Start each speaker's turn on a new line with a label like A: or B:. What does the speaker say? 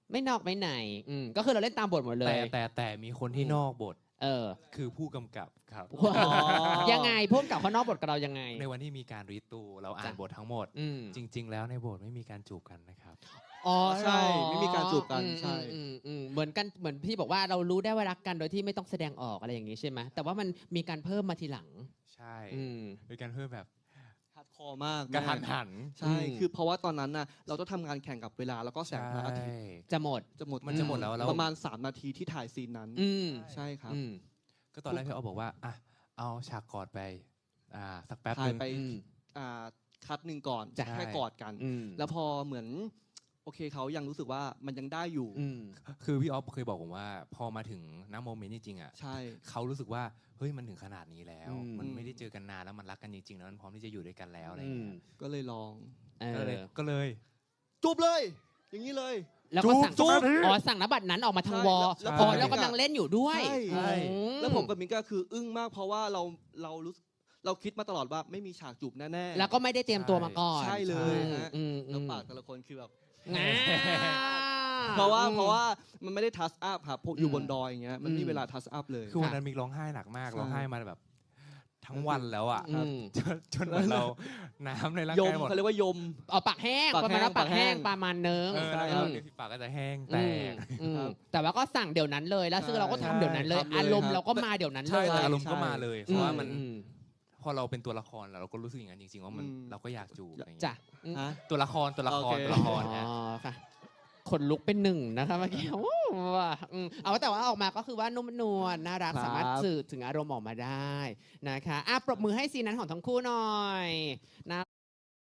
A: ไม่นอกไม่ในก็คือเราเล่นตามบทหมดเลย
B: แต่มีคนที่นอกบทคือผู้กำกับครับ
A: ยังไงพุ่มกับเขานอกบทกับเรายังไง
B: ในวันที่มีการรีตูเราอ่านบททั้งหมดจริงๆแล้วในบทไม่มีการจูบกันนะครับ
C: อ๋อใช่ไม่มีการจูบกันใช่
A: เหมือนกันเหมือนพี่บอกว่าเรารู้ได้ว่ารักกันโดยที่ไม่ต้องแสดงออกอะไรอย่างนี้ใช่ไหมแต่ว่ามันมีการเพิ่มมาทีหลัง
B: ใช่เป็นการเพิ่มแบบ
C: ฮาร์ดคอร์มาก
B: กระทันหัน
C: ใช่คือเพราะว่าตอนนั้นน่ะเราต้องทำงานแข่งกับเวลาแล้วก็แสงพระอาทิตย์
A: จะหมด
C: มันจะหมดแล้วประมาณ3 นาทีที่ถ่ายซีนนั้นใช่ครับ
B: ก็ตอนแรกพี่บอกว่าอ่ะเอาฉากกอดไปสักแป๊บนึง
C: ไปคัดหนึ่งก่อนแค่กอดกันแล้วพอเหมือนโอเคเขายังรู้สึกว่ามันยังได้อยู่
B: คือพี่ออฟเคยบอกผมว่าพอมาถึงณโมเมนต์จริงๆอ่ะ
C: ใช่
B: เขารู้สึกว่าเฮ้ยมันถึงขนาดนี้แล้วมันไม่ได้เจอกันนานแล้วมันรักกันจริงๆแล้วมันพร้อมที่จะอยู่ด้วยกันแล้วอะไรอย่างเงี้ย
C: ก็เลยลอง
B: ก็เลย
C: จูบเลยอย่างนี้เลย
A: แล้วก็สั่งสั่งนบัตรนั้นออกมาทางวอลแล้วกำลังเล่นอยู่ด้วย
C: แล้วผมกับมินก็คืออึ้งมากเพราะว่าเราคิดมาตลอดว่าไม่มีฉากจูบแน่
A: ๆแล้วก็ไม่ได้เตรียมตัวมาก่อน
C: ใช่เลยฮะแล้วปากแต่ละคนคือแบบเพราะว่ามันไม่ได้ทัชอัพครับอยู่บนดอยอย่างเงี้ยมันมีเวลาทัชอัพเลย
B: คือวันนั้นมิกร้องไห้หนักมากร้องไห้มาแบบทั้งวันแล้วอ่ะจนเราน้ำในร่างกายหมด
C: เขาเรียกว่ายม
A: ปากแห้งประมาณปากแห้งประมาณนึง
B: แล้วปากก็จะแห้ง
A: แต่ว่าก็สั่งเดี๋ยวนั้นเลยแล้วซึ่งเราก็ทำเดี๋ยวนั้นเลยอารมณ์เราก็มาเดี๋ยวนั้นเลย
B: อารมณ์ก็มาเลยเพราะว่ามันพอเราเป็นตัวละครแล้วเราก็รู้สึกอย่างนั้นจริงๆว่ามันเราก็อยากจูบอะไรอย่างเงี้ยตัวละคร
A: ค่ะขนลุกเป็นหนึ่งนะคะเมื่อกี้เอาแต่ว่าออกมาก็คือว่านุ่มนวลน่ารักสามารถสื่อถึงอารมณ์ออกมาได้นะคะปรบมือให้ซีนนั้นของทั้งคู่หน่อยนะ